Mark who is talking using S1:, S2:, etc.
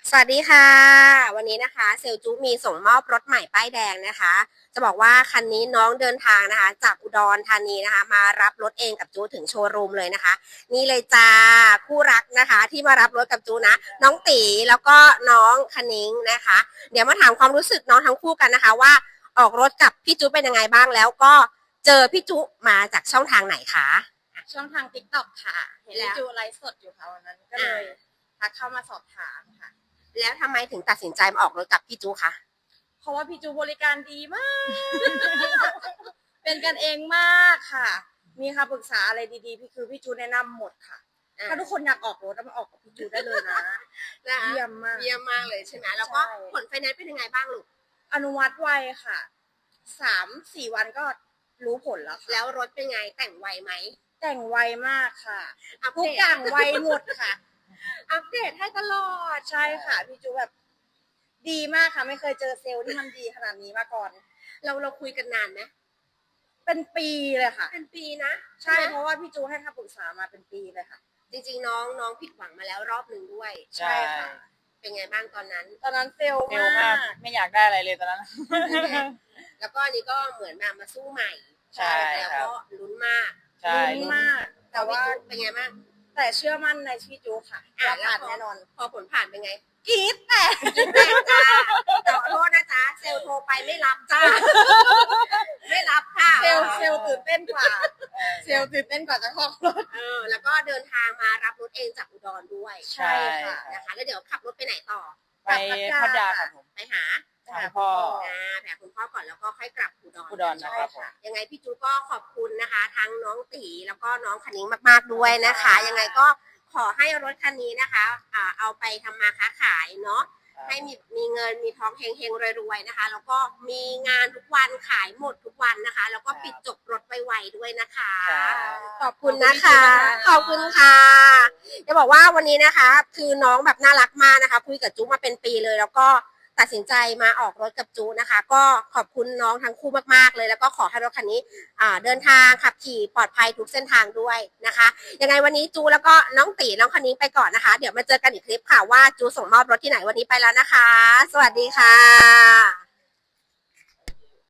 S1: สวัสดีค่ะวันนี้นะคะเซลจูมีส่งมอบรถใหม่ป้ายแดงนะคะจะบอกว่าคันนี้น้องเดินทางนะคะจากอุดรธานีนะคะมารับรถเองกับจูถึงโชว์รูมเลยนะคะนี่เลยจ้าคู่รักนะคะที่มารับรถกับจูนะน้องตีแล้วก็น้องคณิ้งนะคะเดี๋ยวมาถามความรู้สึกน้องทั้งคู่กันนะคะว่าออกรถกับพี่จูเป็นยังไงบ้างแล้วก็เจอพี่จูมาจากช่องทางไหนคะ
S2: ช่องทาง TikTok ค่ะเห็นจูไลฟ์สดอยู่ค่ะวันนั้นก็เลยทักเข้ามาสอบถามค่ะ
S1: แล้วทำไมถึงตัดสินใจมาออกรถกับพี่จูคะ
S2: เพราะว่าพี่จูบริการดีมาก เป็นกันเองมากค่ะ มีคำปรึกษาอะไรดีๆพี่จูแนะนำหมดค่ะถ้าทุกคนอยากออกรถมาออกกับพี่จูได้เลยนะเยี่ยมมาก
S1: เยี่ยมมากเลยใช่ไหมแล้วก็ผลไฟแนนซ์เป็นยังไงบ้างลูก
S2: อนุมัติไวค่ะ3-4 วันก็รู้ผลแล้วค่ะ
S1: แล้วรถเป็นไงแต่งไวไหม
S2: แต่งไวมากค่ะทุกอย่างไวหมดค่ะ
S1: อัปเดตให้ตลอด
S2: ใช่ค่ะพี่จูแบบดีมากค่ะไม่เคยเจอเซลล์ที่มันดีขนาดนี้มาก่อน
S1: เราคุยกันนานไหม
S2: เป็นปีเลยค่ะ
S1: เป็นปีนะ
S2: ใช่เพราะว่าพี่จูให้คำปรึกษามาเป็นปีเลยค่ะ
S1: จริงๆน้องผิดหวังมาแล้วรอบหนึ่งด้วย
S2: ใช่ค่ะ
S1: เป็นไงบ้างตอนนั้น
S2: เซลล์มาก
S3: ไม่อยากได้อะไรเลยตอนนั้น
S1: แล้วก็อันนี้ก็เหมือนมาสู้ใหม่
S3: ใช่
S1: แล้วก็ลุ้นมาก
S2: ลุ้นมาก
S1: แต่ว่าเป็นไงบ้าง
S2: แต่เชื่อมั่นในพี่จูค่ะว่าผ่านแน่นอน
S1: พอผลผ่านเป็นไง
S2: กรี๊ดแต่
S1: จ้าแต่ขอโทษนะจ๊ะเซลโทรไปไม่รับจ้าไม่รับค่ะ
S2: เซลตื่นเต้นกว่าเซลตื่นเต้นกว่าจะขอรถ
S1: แล้วก็เดินทางมารับรถเองจากอุดรด้วย
S3: ใช่
S1: ค่ะนะคะแล้วเดี๋ยวขับรถไปไหนต่อ
S3: ไปพัทยาครับผม
S1: ไปหา
S3: พ่อ
S1: แผ่คุณพ่อก่อนแล้วก็ค่อยกลับ
S3: อุดรนะครับ
S1: ยังไงพี่จูก็ขอบคุณนะคะทั้งน้องตีแล้วก็น้องคณิ้งมากๆด้วยนะคะยังไงก็ขอให้รถคันนี้นะคะเอาไปทำมาค้าขายเนาะให้มีเงินมีท้องเฮงๆรวยๆนะคะแล้วก็มีงานทุกวันขายหมดทุกวันนะคะแล้วก็ปิดจบรถไวๆด้วยนะคะขอบคุณนะคะขอบคุณค่ะจะบอกว่าวันนี้นะคะคือน้องแบบน่ารักมากนะคะคุยกับจูมาเป็นปีเลยแล้วก็ตัดสินใจมาออกรถกับจูนะคะก็ขอบคุณน้องทั้งคู่มากๆเลยแล้วก็ขอให้รถคันนี้เดินทางขับขี่ปลอดภัยทุกเส้นทางด้วยนะคะยังไงวันนี้จูแล้วก็น้องตีน้องคณิ้งไปก่อนนะคะเดี๋ยวมาเจอกันอีกคลิปค่ะว่าจูส่งมอบรถที่ไหนวันนี้ไปแล้วนะคะสวัสดีค่ะ